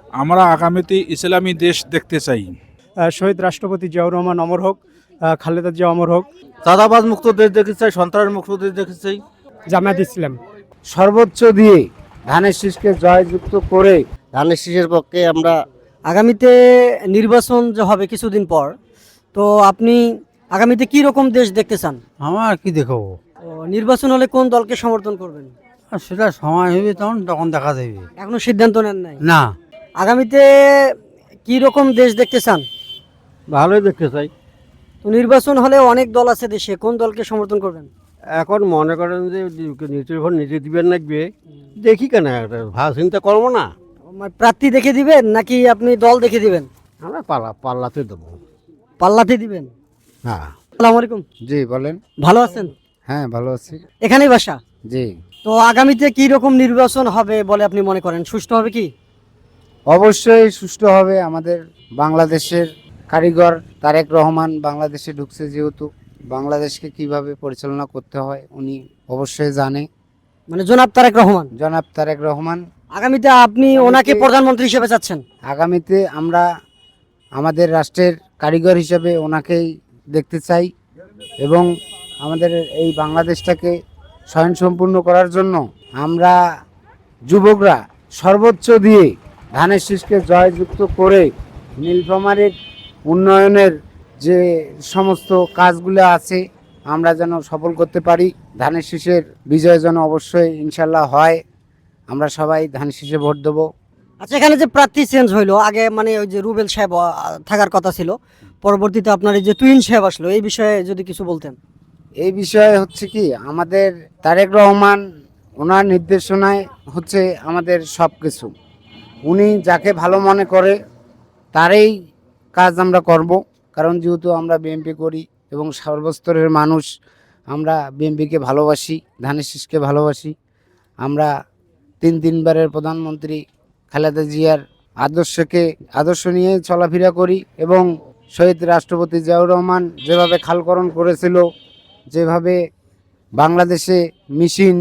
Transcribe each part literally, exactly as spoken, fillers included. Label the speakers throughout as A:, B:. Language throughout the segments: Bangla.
A: আমরা আগামীতে ইসলামী দেশ দেখতে চাই।
B: আহ, শহীদ রাষ্ট্রপতি জিয়াউর রহমান অমর হোক, আহ, খালেদা জিয়া অমর হোক।
C: চাঁদাবাজ মুক্ত দেশ দেখতে চাই, সন্ত্রাস মুক্ত দেশ দেখতে চাই।
B: জামায়াত ইসলাম।
D: সর্বোচ্চ দিয়ে ধানের শীষকে জয়যুক্ত করে ধানের শীষের পক্ষে আমরা।
E: আগামীতে নির্বাচন যে হবে কিছুদিন পর, তো আপনি আগামীতে কি রকম দেশ দেখতে চান?
C: আমার কি দেখাবো,
E: ও, নির্বাচন হলে কোন দলকে সমর্থন করবেন?
C: আর সেটা সময় হবে তখন তখন দেখা যাবে।
E: এখনো সিদ্ধান্ত নেন নাই?
C: না,
E: আগামীতে কি রকম দেশ দেখতে চান?
C: ভালোই দেখতে চাই।
E: তো নির্বাচন হলে অনেক দল আছে দেশে, কোন দলকে সমর্থন করবেন?
C: এখন মনে করেন যে নিজের ভোট নিজে দিবেন লাগবে, দেখি কেন একটা ভালো চিন্তা করবো না।
E: মানে প্রার্থী দেখে দিবেন নাকি আপনি দল দেখে দিবেন?
C: আমরা পাল্লা পাল্লাতে দেবো।
E: পাল্লাতে দিবেন?
C: হ্যাঁ।
E: আসসালামু আলাইকুম।
D: জি বলেন।
E: ভালো আছেন?
D: হ্যাঁ ভালো আছি।
E: এখানেই বাসা?
D: জি।
E: তো আগামীতে কি রকম নির্বাচন হবে বলে আপনি মনে করেন? সুষ্ঠু হবে কি?
D: অবশ্যই সুষ্ঠু হবে। আমাদের বাংলাদেশের কারিগর তারেক রহমান বাংলাদেশে ঢুকছে, যেহেতু বাংলাদেশকে কিভাবে পরিচালনা করতে হয় উনি অবশ্যই জানে।
E: মানে জনাব তারেক রহমান।
D: জনাব তারেক রহমান।
E: আগামীতে আপনি ওনাকে প্রধানমন্ত্রী হিসেবে চাচ্ছেন?
D: আগামীতে আমরা আমাদের রাষ্ট্রের কারিগর হিসেবে ওনাকেই দেখতে চাই এবং আমাদের এই বাংলাদেশটাকে স্বয়ংসম্পূর্ণ করার জন্য আমরা যুবকরা সর্বোচ্চ দিয়ে ধানের শীষকে জয়যুক্ত করে নীলফামারীর উন্নয়নের যে সমস্ত কাজগুলো আছে আমরা যেন সফল করতে পারি। ধানের শীষের বিজয় যেন অবশ্যই ইনশাল্লাহ হয়। আমরা সবাই ধানের শীষে ভোট দেবো।
E: আচ্ছা, এখানে যে প্রার্থী চেঞ্জ হইলো, আগে মানে ওই যে রুবেল সাহেব আহ, থাকার কথা ছিল, পরবর্তীতে আপনার এই যে তুইন সাহেব আসলো, এই বিষয়ে যদি কিছু বলতেন।
D: এই বিষয়ে হচ্ছে কি, আমাদের তারেক রহমান ওনার নির্দেশনায় হচ্ছে আমাদের সব কিছু। উনি যাকে ভালো মনে করে তারই কাজ আমরা করব, কারণ যেহেতু আমরা বিএনপি করি এবং সর্বস্তরের মানুষ আমরা বিএনপিকে ভালোবাসি, ধানের শীষকে ভালোবাসি। আমরা তিন তিনবারের প্রধানমন্ত্রী খালেদা জিয়ার আদর্শকে আদর্শ নিয়ে চলাফেরা করি এবং শহীদ রাষ্ট্রপতি জিয়াউর রহমান যেভাবে খালকরণ করেছিল, যেভাবে বাংলাদেশে মেশিন,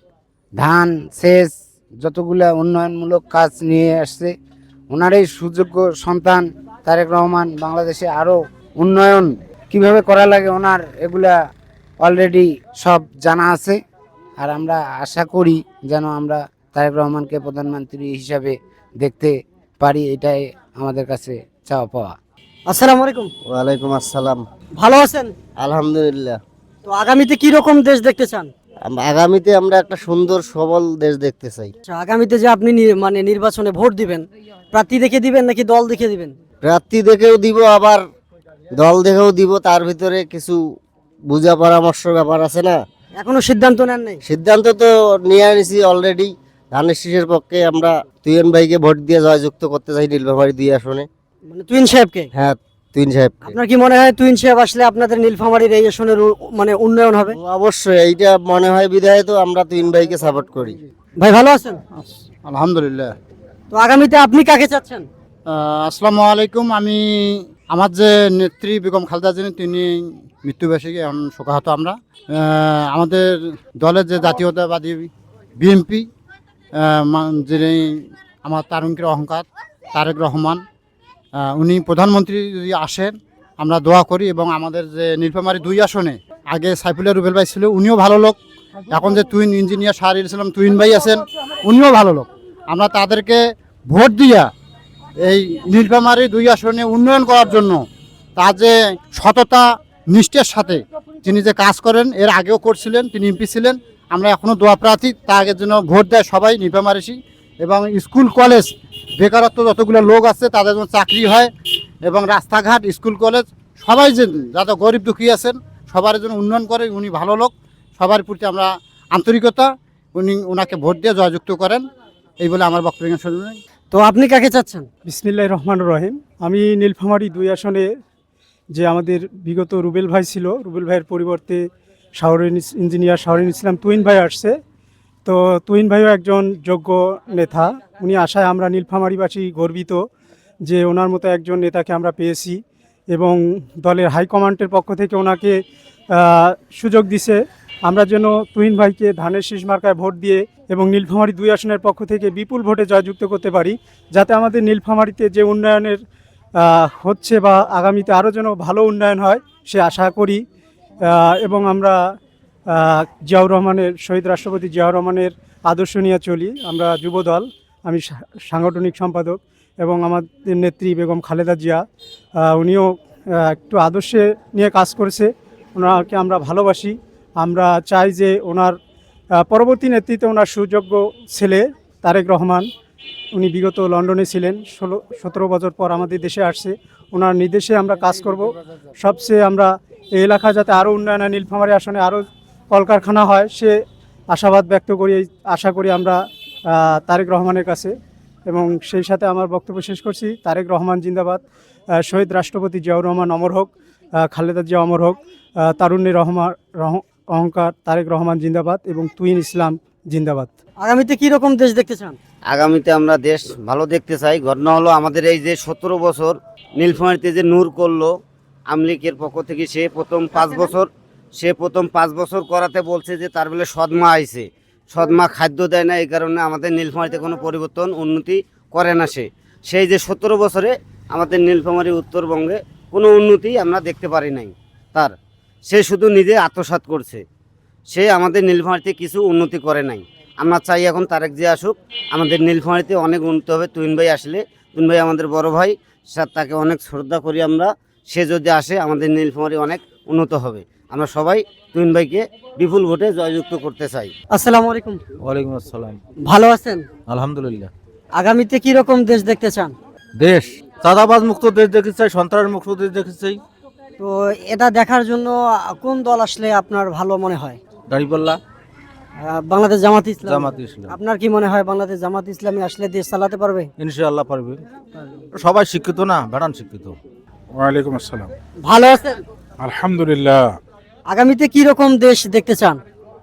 D: ধান, সেচ যতগুলা উন্নয়নমূলক কাজ নিয়ে আসছে, ওনার এই সুযোগ্য সন্তান তারেক রহমান বাংলাদেশে আরও উন্নয়ন কিভাবে করা লাগে ওনার এগুলা অলরেডি সব জানা আছে। আর আমরা আশা করি যেন আমরা তারেক রহমানকে প্রধানমন্ত্রী হিসাবে দেখতে পারি, এটাই আমাদের কাছে চাওয়া পাওয়া।
E: আসসালামু আলাইকুম।
C: ওয়ালাইকুম আসসালাম।
E: ভালো আছেন?
C: আলহামদুলিল্লাহ।
E: তো আগামীতে কি রকম দেশ দেখতে চান?
C: আম- আগামীতে আমরা একটা সুন্দর সবল দেশ দেখতে চাই।
E: আচ্ছা, আগামীতে যে আপনি নি- মানে নির্বাচনে ভোট দিবেন, প্রার্থী দেখে দিবেন নাকি দল দেখে দিবেন?
C: প্রার্থী দেখেও দিব, আবার দল দেখেও দিব। তার ভিতরে কিছু বুঝা পরামর্শ ব্যাপার আছে না।
E: এখনো সিদ্ধান্ত নেন নাই?
C: সিদ্ধান্ত তো নিয়ে নিছি অলরেডি। ধানের শীষের পক্ষে আমরা তুইন ভাইকে ভোট দিয়ে জয়যুক্ত করতে চাই নীলফামারী দুই আসনে।
E: মানে তুইন সাহেবকে?
C: হ্যাঁ, তুইন সাহেবকে।
E: আপনার কি মনে হয় তুইন সাহেব আসলে আপনাদের নীলফামারীর এই আসনের উ- মানে উন্নয়ন হবে?
C: অবশ্যই এইটা মনে হয় বিধায় তো আমরা তুইন ভাইকে সাপোর্ট করি।
E: ভাই ভালো আছেন?
F: আলহামদুলিল্লাহ।
E: তো আগামীতে আপনি কাকে চাচ্ছেন?
F: আসসালামু আলাইকুম। আমি আমার যে নেত্রী বেগম খালেদা জিয়া তিনি মৃত্যুবার্ষিকী এখন শোকাহত আমরা। আহ, আমাদের দলের যে জাতীয়তাবাদী বিএনপি, যিনি আমার তারুণ্যের অহংকার তারেক রহমান, আহ, উনি প্রধানমন্ত্রী যদি আসেন আমরা দোয়া করি। এবং আমাদের যে নীলফামারী দুই আসনে আগে সাইফুল্লাহ রুবেল ভাই ছিল, উনিও ভালো লোক। এখন যে তুইন ইঞ্জিনিয়ার শাহরিয়ার ইসলাম তুইন ভাই আছেন, উনিও ভালো লোক। আমরা তাদেরকে ভোট দিয়া এই নীলফামারী দুই আসনে উন্নয়ন করার জন্য তার যে সততা নিষ্ঠার সাথে তিনি যে কাজ করেন, এর আগেও করছিলেন, তিনি এমপি ছিলেন। আমরা এখনও দোয়া প্রার্থী তাকে জন্য ভোট দেয় সবাই নীলফামারীসী। এবং স্কুল কলেজ বেকারত্ব যতগুলো লোক আছে তাদের জন্য চাকরি হয়, এবং রাস্তাঘাট স্কুল কলেজ সবাই যে যাতে গরিব দুঃখী আছেন সবার জন্য উন্নয়ন করে। উনি ভালো লোক, সবার প্রতি আমরা আন্তরিকতা, উনি ওনাকে ভোট দিয়ে জয়যুক্ত করেন, এই বলে আমার বক্তব্য শুনবেন।
E: তো আপনি কাকে চাচ্ছেন?
B: বিসমিল্লাহির রহমানির রহিম। আমি নীলফামারী দুই আসনে যে আমাদের বিগত রুবেল ভাই ছিল, রুবেল ভাইয়ের পরিবর্তে শাহরিন ইঞ্জিনিয়ার শাহরিন ইসলাম তুইন ভাই আসছে। তো তুইন ভাইও একজন যোগ্য নেতা। উনি আসায় আমরা নীলফামারীবাসী গর্বিত যে ওনার মতো একজন নেতাকে আমরা পেয়েছি এবং দলের হাইকমান্ডের পক্ষ থেকে ওনাকে আহ, সুযোগ দিছে আমরা যেন তুহিন ভাইকে ধানের শীষ মার্কায় ভোট দিয়ে এবং নীলফামারী দুই আসনের পক্ষ থেকে বিপুল ভোটে জয়যুক্ত করতে পারি, যাতে আমাদের নীলফামারীতে যে উন্নয়নের আহ, হচ্ছে বা আগামীতে আরও যেন ভালো উন্নয়ন হয় সে আশা করি। আহ, এবং আমরা আহ, জিয়াউর রহমানের শহীদ রাষ্ট্রপতি জিয়াউর রহমানের আদর্শ নিয়ে চলি। আমরা যুবদল, আমি সা- সাংগঠনিক সম্পাদক এবং আমাদের নেত্রী বেগম খালেদা জিয়া আহ, উনিও আহ, একটু আদর্শে নিয়ে কাজ করেছে, ওনাকে আমরা ভালোবাসি। আমরা চাই যে ওনার আহ, পরবর্তী নেতৃত্বে ওনার সুযোগ্য ছেলে তারেক রহমান, উনি বিগত লন্ডনে ছিলেন, ষোলো সতেরো বছর পর আমাদের দেশে আসছে, ওনার নির্দেশে আমরা কাজ করব। সবচেয়ে আমরা এই এলাকা যাতে আরও উন্নয়ন হয়, নীলফামারী আসনে আরও কলকারখানা হয় সে আশাবাদ ব্যক্ত করি, এই আশা করি আমরা আহ, তারেক রহমানের কাছে। এবং সেই সাথে আমার বক্তব্য শেষ করছি। তারেক রহমান জিন্দাবাদ, আহ, শহীদ রাষ্ট্রপতি জিয়াউর রহমান অমর হোক, আহ, খালেদা জিয়া অমর হোক, আহ, তারুণ্যের রহমান রহ- অহংকার তারেক রহমান জিন্দাবাদ এবং তুহিন ইসলাম জিন্দাবাদ।
E: আগামীতে কি রকম দেশ দেখতে চান?
D: আগামীতে আমরা দেশ ভালো দেখতে চাই। ঘটনা হলো আমাদের এই যে সতেরো বছর নীলফামারীতে যে নূর করলো আমলিকের পক্ষ থেকে, সে প্রথম পাঁচ বছর সে প্রথম পাঁচ বছর করাতে বলছে যে তার বলে সদমা আইছে, সদমা খাদ্য দেয় না, এই কারণে আমাদের নীলফামারীতে কোনো পরিবর্তন উন্নতি করে না। সে সেই যে সতেরো বছরে আমাদের নীলফামারী উত্তরবঙ্গে কোনো উন্নতি আমরা দেখতে পারি নাই তার। সে শুধু নিজে আত্মসাৎ করছে, সে আমাদের নীলফামারীতে কিছু উন্নতি করে নাই। আমরা চাই এখন তারেক জিয়া আসুক, আমাদের নীলফামারীতে অনেক উন্নত হবে। তুহিন ভাই আসলে, তুহিন ভাই আমাদের বড় ভাই, স্যার তাকে অনেক শ্রদ্ধা করি আমরা। সে যদি আসে আমাদের নীলফামারী অনেক উন্নত হবে। আমরা সবাই তুহিন ভাইকে বিপুল ভোটে জয়যুক্ত করতে চাই।
E: আসসালামু আলাইকুম।
G: ওয়ালাইকুম আসসালাম।
E: ভালো আছেন?
G: আলহামদুলিল্লাহ।
E: আগামীতে কি রকম দেশ দেখতে চান?
G: দেশ চাঁদাবাজ মুক্ত দেশ দেখতে চাই, সন্ত্রাস মুক্ত দেশ দেখতে চাই।
E: তো এটা দেখার জন্য কোন দল আসলে আপনার ভালো মনে হয়?
G: দাঁড়িপাল্লা,
E: আহ, বাংলাদেশ জামাত ইসলাম।
G: জামাত ইসলাম।
E: আপনার কি মনে হয় বাংলাদেশ জামাত ইসলামী আসলে দেশ চালাতে পারবে?
G: ইনশাআল্লাহ পারবে। সবাই শিক্ষিত না, ভেড়ান শিক্ষিত।
A: ওয়ালাইকুম আসসালাম।
E: ভালো আছেন?
A: আলহামদুলিল্লাহ।
E: আগামীতে কি রকম দেশ দেখতে চান?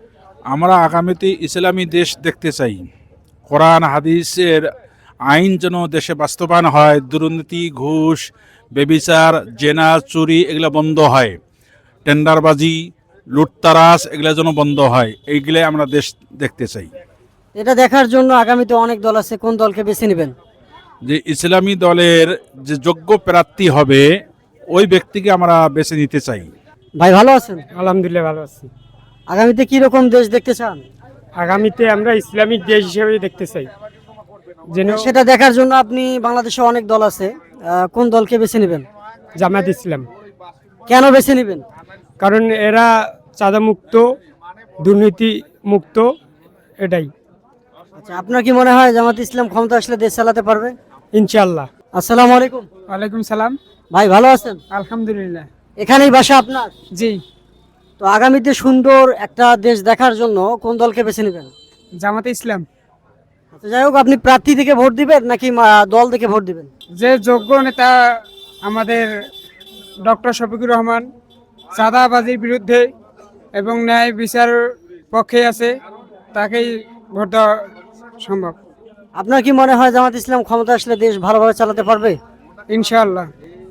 A: আমরা আগামীতে ইসলামী দেশ দেখতে চাই। কোরআন হাদিসের আইন যেন দেশে বাস্তবায়ন হয়, দুর্নীতি, ঘুষ, বেবিচার, জেনা, চুরি এগুলো বন্ধ হয়, টেন্ডারবাজি, লুটতারাজ এগুলো যেন বন্ধ হয়, এইগুলাই আমরা দেশ দেখতে চাই।
E: এটা দেখার জন্য আগামীতে অনেক দল আছে, কোন দলকে বেছে নেবেন?
A: যে ইসলামী দলের যে যোগ্য প্রার্থী হবে ওই ব্যক্তিকে আমরা বেছে নিতে চাই।
E: ভাই ভালো আছেন?
B: আলহামদুলিল্লাহ ভালো আছি।
E: আগামীতে কি রকম দেশ দেখতে চান?
B: আগামীতে আমরা ইসলামিক দেশ হিসেবে দেখতে চাই, যেন
E: সেটা দেখার জন্য আপনি বাংলাদেশে অনেক দল আছে, আহ, কোন দলকে বেছে নেবেন?
B: জামাত ইসলাম,
E: কেন বেছে নেবেন?
B: কারণ এরা চাঁদা মুক্ত, দুর্নীতি মুক্ত, এটাই।
E: আচ্ছা, আপনার কি মনে হয় জামাত ইসলাম ক্ষমতা আসলে দেশ চালাতে পারবে?
B: ইনশাআল্লাহ।
E: আসসালামু আলাইকুম।
B: ওয়ালাইকুম সালাম।
E: ভাই ভালো আছেন?
B: আলহামদুলিল্লাহ।
E: এখানেই বাসা আপনার?
B: জি।
E: তো আগামীতে সুন্দর একটা দেশ দেখার জন্য কোন দলকে বেছে নেবেন?
B: জামাতে ইসলাম।
E: আচ্ছা, যাই হোক, আপনি প্রার্থী থেকে ভোট দিবেন নাকি আহ, দল থেকে ভোট দিবেন?
B: যে যোগ্য নেতা আমাদের ডক্টর শফিকুর রহমান চাঁদাবাজির বিরুদ্ধে এবং ন্যায় বিচার পক্ষে আছে, তাকেই ভোট দেওয়া সম্ভব।
E: আপনার কি মনে হয় জামাত ইসলাম ক্ষমতা আসলে দেশ ভালোভাবে চালাতে পারবে?
B: ইনশাআল্লাহ।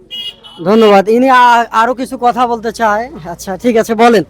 E: ধন্যবাদ। ইনি আ- আরো কিছু কথা বলতে চায়। আচ্ছা ঠিক আছে, বলেন।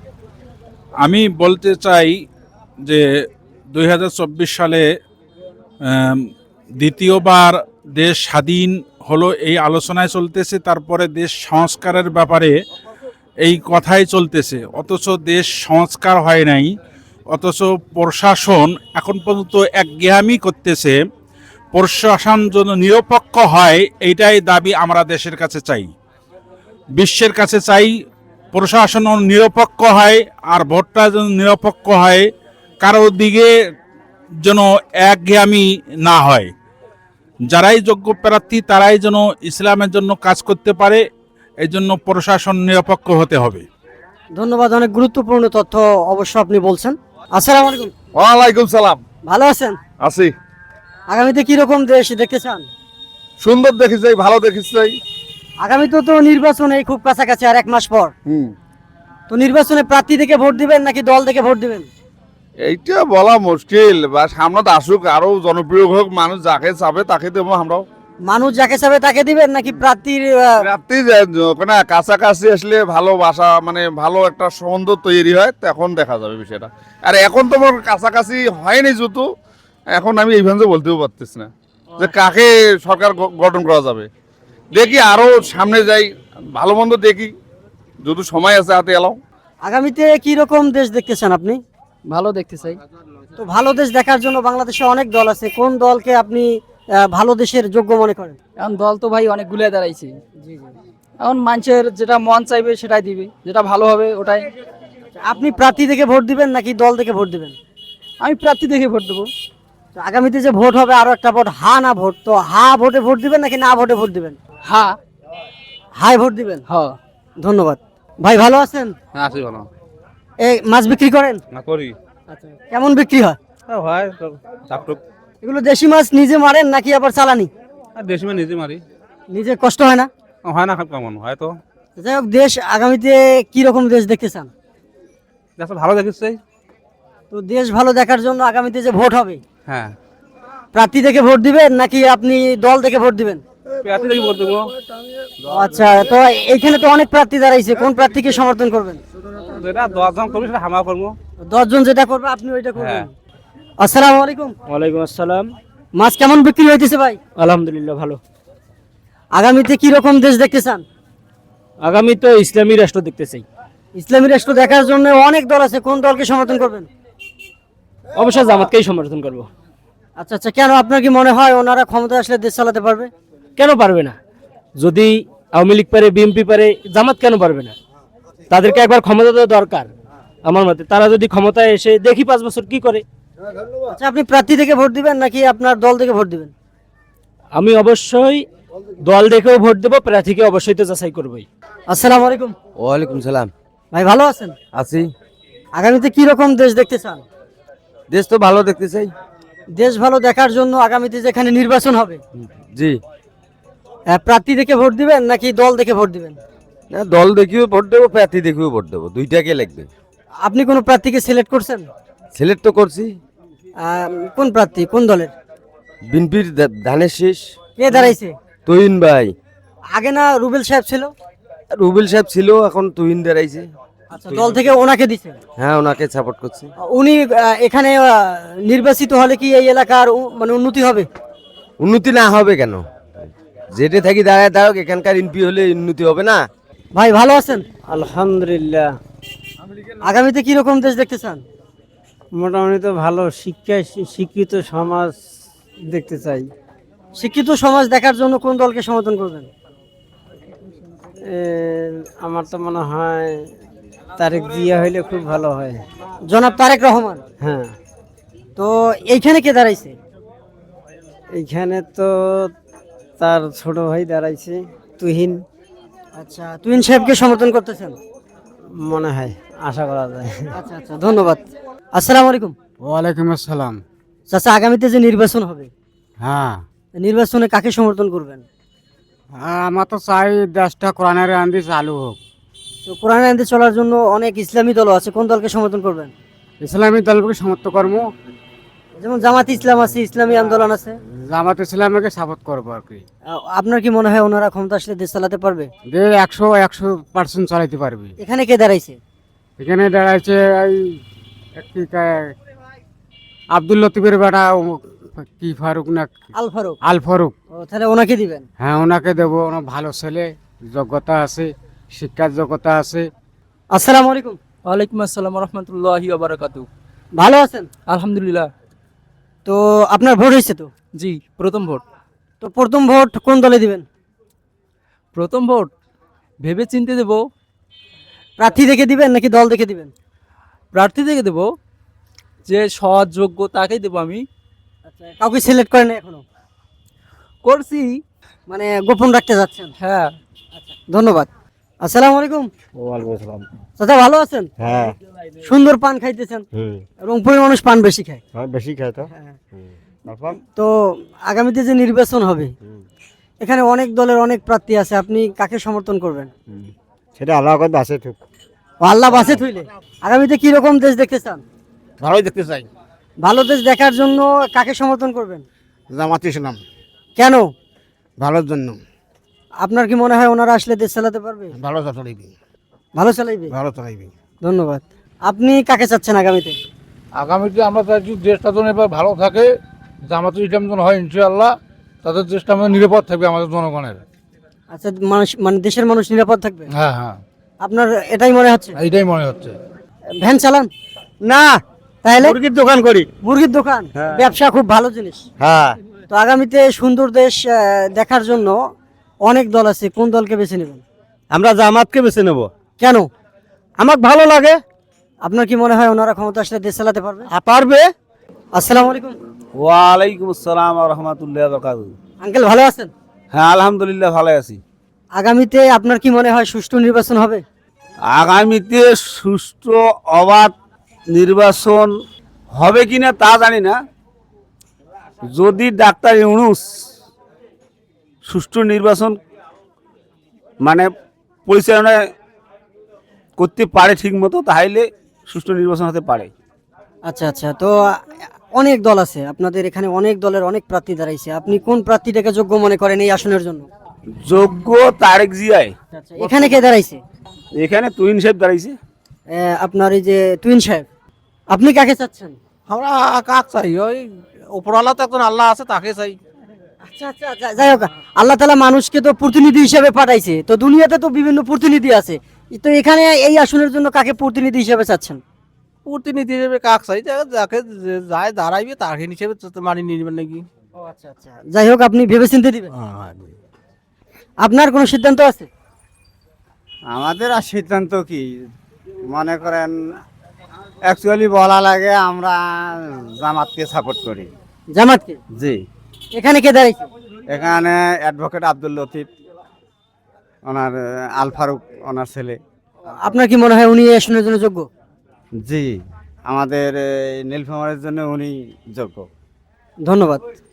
A: আমি বলতে চাই যে দুই হাজার চব্বিশ সালে আম, দ্বিতীয়বার দেশ স্বাধীন হলো এই আলোচনায় চলতেছে, তারপরে দেশ সংস্কারের ব্যাপারে এই কথাই চলতেছে, অথচ দেশ সংস্কার হয় নাই, অথচ প্রশাসন এখন পর্যন্ত একঘেয়ামি করতেছে। প্রশাসন যেন নিরপেক্ষ হয় এইটাই দাবি আমরা দেশের কাছে চাই, বিশ্বের কাছে চাই। প্রশাসন নিরপেক্ষ হয় আর ভোটটা যেন নিরপেক্ষ হয়, কারোর দিকে যেন একঘেয়ামি না হয়। যারাই যোগ্য প্রার্থী তারাই যেন ইসলামের জন্য কাজ করতে পারে, এই জন্য প্রশাসন নিরপেক্ষ হতে হবে।
E: ধন্যবাদ, অনেক গুরুত্বপূর্ণ তথ্য অবশ্য আপনি বলছেন। আসসালামু আলাইকুম।
H: ওয়ালাইকুম সালাম।
E: ভালো আছেন?
H: আছি।
E: আগামীতে কি রকম দেশ দেখতে চান?
H: সুন্দর দেখি চাই, ভালো দেখি চাই।
E: আগামীতে তো নির্বাচন এই খুব কাছাকাছি, আর এক মাস পর।
H: হুম,
E: তো নির্বাচনে প্রার্থী থেকে ভোট দিবেন নাকি দল থেকে ভোট দিবেন?
H: এইটা বলা মুশকিল। বা সামনে আসুক, আরো জনপ্রিয় হোক, মানুষ যাকে চাবে তাকে দেবো আমরাও।
E: মানুষ যাকে চাবে তাকে দিবেন নাকি প্রার্থীর আহ,
H: রাত্রি না কাছাকাছি আসলে ভালোবাসা মানে ভালো একটা সম্বন্ধ তৈরি হয় তখন দেখা যাবে বিষয়টা। আর এখন তো আমার কাছাকাছি হয়নি যেহেতু এখন আমি এইভাবে বলতেও পারতেছি না যে কাকে সরকার গ- গঠন করা যাবে। দেখি আরো সামনে যাই, ভালো মন্দ দেখি, যদি সময় আছে হাতে এলাও।
E: আগামীতে কি রকম দেশ দেখতে চান আপনি?
I: ভালো দেখতে চাই।
E: তো ভালো দেশ দেখার জন্য বাংলাদেশে অনেক দল আছে, কোন দলকে আপনি আহ, ভালো দেশের যোগ্য মনে করেন?
I: এখন দল তো ভাই অনেক গুলিয়ে দাঁড়াইছে, এখন মানুষের যেটা মন চাইবে সেটাই দিবে, যেটা ভালো হবে ওটাই।
E: আপনি প্রার্থী দেখে ভোট দিবেন নাকি দল দেখে ভোট দিবেন?
I: আমি প্রার্থী দেখে ভোট দেবো।
E: তো আগামীতে যে ভোট হবে আরো একটা ভোট, হা না ভোট, তো হা ভোটে ভোট দিবেন নাকি না ভোটে ভোট দিবেন?
I: হ্যাঁ
E: হাই ভোট দিবেন।
I: হ্যাঁ
E: ধন্যবাদ ভাই, ভালো আছেন?
G: হ্যাঁ আছি ভালো।
E: এই মাছ বিক্রি করেন?
G: না করি।
E: আচ্ছা, কেমন বিক্রি হয়?
G: হ্যাঁ হয় চাপটুক।
E: এগুলো দেশি মাছ নিজে মারেন নাকি আবার চালানি?
G: আর দেশি মানে নিজে মারি।
E: নিজে কষ্ট হয় না?
G: হয় না কেমন হয় তো।
E: যাই হোক, দেশ আগামীতে কি রকম দেশ দেখতে চান?
G: দেখো ভালো দেখিস।
E: তো দেশ ভালো দেখার জন্য আগামীতে যে ভোট হবে,
G: হ্যাঁ
E: প্রার্থী দেখে ভোট দিবেন নাকি আপনি দল দেখে ভোট দিবেন?
G: প্রার্থী দেখি বলতে
E: আচ্ছা, তো এইখানে তো অনেক প্রার্থী দাঁড়াইছে, কোন প্রার্থীকে সমর্থন করবেন?
G: যেটা দশ জন করবি সেটা হামা করবো।
E: দশজন যেটা করবে আপনি ওইটা করবেন।
G: হ্যাঁ।
E: আসসালামু আলাইকুম।
B: ওয়ালাইকুম আসসালাম।
E: মাছ কেমন বিক্রি হইতেছে ভাই?
B: আলহামদুলিল্লাহ ভালো।
E: আগামীতে কি রকম দেশ দেখতে চান?
B: আগামী তো ইসলামী রাষ্ট্র দেখতে চাই।
E: ইসলামী রাষ্ট্র দেখার জন্য অনেক দল আছে, কোন দলকে সমর্থন করবেন?
B: অবশ্যই জামাতকেই সমর্থন করব।
E: আচ্ছা আচ্ছা, কেন আপনার কি মনে হয় ওনারা ক্ষমতায় আসলে দেশ চালাতে পারবে?
B: কেন পারবে না? যদি আওয়ামী লীগ পারে, বিএনপি পারে, জামাত কেন পারবে না? তাদেরকে একবার ক্ষমতা দেওয়া দরকার আমার মতে। তারা যদি ক্ষমতায় এসে দেখি পাঁচ বছর কি করে।
E: আচ্ছা, আপনি প্রার্থী দেখে ভোট দিবেন নাকি আপনার দল দেখে ভোট দিবেন?
B: আমি অবশ্যই দল দেখেও ভোট দেবো, প্রার্থীকে অবশ্যই তো যাচাই করবোই।
E: আসসালামু আলাইকুম।
C: ওয়ালাইকুম সালাম।
E: ভাই ভালো আছেন?
C: আছি।
E: আগামীতে কি রকম দেশ দেখতে চান?
C: দেশ তো ভালো দেখতে চাই।
E: দেশ ভালো দেখার জন্য আগামীতে যেখানে নির্বাচন হবে,
C: জি।
E: আহ, প্রার্থী দেখে ভোট দিবেন নাকি দল দেখে ভোট দিবেন?
C: না দল দেখিও ভোট দেবো, প্রার্থী দেখিও ভোট দেবো, দুইটাকে লাগবে।
E: আপনি কোন প্রার্থীকে সিলেক্ট করছেন?
C: সিলেক্ট তো করছি।
E: আহ, কোন প্রার্থী, কোন দলের?
C: বিনপির ধানের শেষ
E: কে দাঁড়াইছে?
C: তুহিন ভাই।
E: আগে না রুবেল সাহেব ছিল?
C: রুবেল সাহেব ছিল, এখন তুহিন দাঁড়াইছে।
E: আচ্ছা, দল থেকে ওনাকে দিছে।
C: হ্যাঁ ওনাকে সাপোর্ট করছি।
E: উনি আহ, এখানে আহ, নির্বাচিত হলে কি এই এলাকার উ- মানে উন্নতি হবে?
C: উন্নতি না হবে কেন? যেটা থাকি দাঁড়ায় দাঁড়াক, এখানকার এমপি হলে উন্নতি হবে না?
E: ভাই ভালো আছেন?
B: আলহামদুলিল্লাহ।
E: আগামীতে কি রকম দেশ দেখতে চান?
B: মোটামুটি তো ভালো। শিক্ষায় শিক্ষিত সমাজ দেখতে চাই।
E: শিক্ষিত সমাজ দেখার জন্য কোন দলকে সমর্থন করবেন?
B: আমার তো মনে হয় তারেক জিয়া হইলে খুব ভালো হয়।
E: জনাব তারেক রহমান।
B: হ্যাঁ,
E: তো এইখানে কে দাঁড়াইছে?
B: এইখানে তো তার ছোট ভাই দাঁড়াইছে তুহিন,
E: আচ্ছা, তুহিন সাহেবকে সমর্থন করতেছেন?
B: মনে হয়, আশা করা যায়।
E: আচ্ছা আচ্ছা, ধন্যবাদ। আসসালামু আলাইকুম।
F: ওয়ালাইকুম আসসালাম।
E: চাচা, আগামীতে যে নির্বাচন হবে,
F: হ্যাঁ,
E: নির্বাচনে কাকে সমর্থন করবেন?
F: আমার তো চাই দেশটা কোরআনের আন্দি চালু হোক।
E: তো কোরআন আইনে চলার জন্য অনেক ইসলামী দল আছে, কোন দলকে সমর্থন করবেন?
F: ইসলামী দলকে সমর্থ কর্ম,
E: যেমন জামাত ইসলাম আছে, ইসলামী আন্দোলন আছে।
F: জামাত ইসলামকে সাপোর্ট করবো আর কি।
E: আহ, আপনার কি মনে হয় ওনারা ক্ষমতা আসলে দেশ চালাতে পারবে?
F: যে একশো একশো পার্সেন্ট চালাইতে পারবে।
E: এখানে কে দাঁড়াইছে?
F: এখানে দাঁড়াইছে এই কি কয়, আব্দুল লতিফের বেটা ও- কি ফারুক না
E: আল ফারুক।
F: আল ফারুক।
E: ও, তাহলে ওনাকে দিবেন?
F: হ্যাঁ ওনাকে দেবো, ওনার ভালো ছেলে, যোগ্যতা আছে, শিক্ষার যোগ্যতা আছে।
E: আসসালামু আলাইকুম।
I: ওয়ালাইকুম আসসালাম রহমতুল্লাহি বারাকাতু।
E: ভালো আছেন?
I: আলহামদুলিল্লাহ।
E: তো আপনার ভোট হয়েছে তো?
I: জি, প্রথম ভোট।
E: তো প্রথম ভোট কোন দলে দিবেন?
I: প্রথম ভোট ভেবে চিনতে দেব।
E: প্রার্থী দেখে দিবেন নাকি দল দেখে দিবেন?
I: প্রার্থী দেখে দেব, যে সৎ যোগ্য তাকেই দেবো আমি।
E: আচ্ছা, কাউকে সিলেক্ট করেন এখনো?
I: করছি।
E: মানে গোপন রাখতে যাচ্ছেন?
I: হ্যাঁ।
E: ধন্যবাদ। আসসালামু আলাইকুম।
G: ওয়ালাইকুম আসসালাম।
E: চাচা, ভালো আছেন?
G: হ্যাঁ।
E: সুন্দর পান খাইতেছেন,
G: হুম।
E: রংপুরের মানুষ পান বেশি খায়।
G: বেশি খায় তো। তারপর
E: তো আগামীতে যে নির্বাচন হবে, এখানে অনেক দলের অনেক প্রার্থী আছে, আপনি কাকে সমর্থন করবেন?
G: সেটা আল্লাহ করে আছে ঠিক।
E: ও, আল্লাহ বাসে থইলে। আগামীতে কি রকম দেশ দেখতে চান?
G: ভালোই দেখতে চাই।
E: ভালো দেশ দেখার জন্য কাকে সমর্থন করবেন?
F: জামাত ইসলাম।
E: কেন?
D: ভালোর জন্য।
E: আপনার কি মনে হয় ওনারা আসলে দেশ চালাতে পারবে?
D: ভালো চালাইবে,
E: ভালো চালাইবে।
D: ভালো চালাইবে।
E: ধন্যবাদ। আপনি কাকে চাচ্ছেন আগামীতে?
G: আগামীতে আমরা চাইছি দেশটা যেন এবার ভালো থাকে, জামাত ইসলাম যেন হয় ইনশাআল্লাহ, তাদের দেশটা আমাদের নিরাপদ থাকবে আমাদের জনগণের।
E: আচ্ছা, মানুষ মানে দেশের মানুষ নিরাপদ থাকবে,
G: হ্যাঁ হ্যাঁ,
E: আপনার এটাই মনে হচ্ছে?
G: এইটাই মনে হচ্ছে।
E: ভ্যান চালান?
C: না,
E: তাহলে
C: মুরগির দোকান করি।
E: মুরগির দোকান, ব্যবসা খুব ভালো জিনিস।
C: হ্যাঁ,
E: তো আগামীতে সুন্দর দেশ আহ, দেখার জন্য অনেক দল আছে, কোন দলকে বেছে নেবেন?
C: আমরা জামাতকে বেছে নেব।
E: কেন?
C: আমাকে ভালো লাগে।
E: আপনার কি মনে হয় ওনারা ক্ষমতা আসলে দেশ চালাতে পারবে?
C: পারবে।
E: আসসালামু আলাইকুম।
G: ওয়ালাইকুম আসসালাম ওয়া রাহমাতুল্লাহি ওয়া বারাকাতুহু।
E: আঙ্কেল ভালো আছেন?
G: হ্যাঁ আলহামদুলিল্লাহ ভালো আছি।
E: আগামীতে আপনার কি মনে হয় সুষ্ঠু নির্বাচন হবে?
G: আগামীতে সুষ্ঠু অবাধ নির্বাচন হবে কিনা তা জানি না। যদি ডাক্তার ইউনূস সুষ্ঠু নির্বাচন মানে পরিচালনা করতে পারে ঠিক মতো, তাহলে সুষ্ঠু নির্বাচন হতে পারে।
E: আচ্ছা আচ্ছা, তো আহ, অনেক দল আছে আপনাদের এখানে, অনেক দলের অনেক প্রার্থী দাঁড়াইছে, আপনি কোন প্রার্থীটাকে যোগ্য মনে করেন এই আসনের জন্য?
G: যোগ্য তারেক জিয়াই।
E: আচ্ছা, এখানে কে দাঁড়াইছে?
G: এখানে তুইন সাহেব দাঁড়াইছে।
E: আহ, আপনার এই যে টুইন সাহেব, আপনি কাকে চাচ্ছেন?
G: আমরা কাক চাই, ওই উপরওয়ালা তো একজন আল্লাহ আছে, তাকে চাই।
E: আচ্ছা আচ্ছা, যা- যাই হোক, আল্লাহ তাআলা মানুষকে তো প্রতিনিধি হিসেবে পাঠাইছে, তো দুনিয়াতে তো বিভিন্ন প্রতিনিধি আছে, তো এখানে এই আসনের জন্য কাকে প্রতিনিধি হিসেবে চাচ্ছেন?
G: প্রতিনিধি হিসেবে কাক চাই, যাকে যায় দাঁড়াইবে তাকে হিসেবে মানি নিবেন নাকি।
E: ও আচ্ছা আচ্ছা, যাই হোক, আপনি ভেবেচিন্তে দিবেন। আপনার কোনো সিদ্ধান্ত আছে?
D: আমাদের আর সিদ্ধান্ত কি, মনে করেন অ্যাকচুয়ালি বলা লাগে আমরা জামাতকে সাপোর্ট করি।
E: জামাতকে?
D: জি।
E: এখানে কে দাঁড়াইছে?
D: এখানে অ্যাডভোকেট আব্দুল লতিফ, ওনার আল ফারুক ওনার ছেলে।
E: আপনার কি মনে হয় উনি এই আসনের জন্য যোগ্য?
D: জি, আমাদের এই নীলফামারীর জন্য উনি যোগ্য।
E: ধন্যবাদ।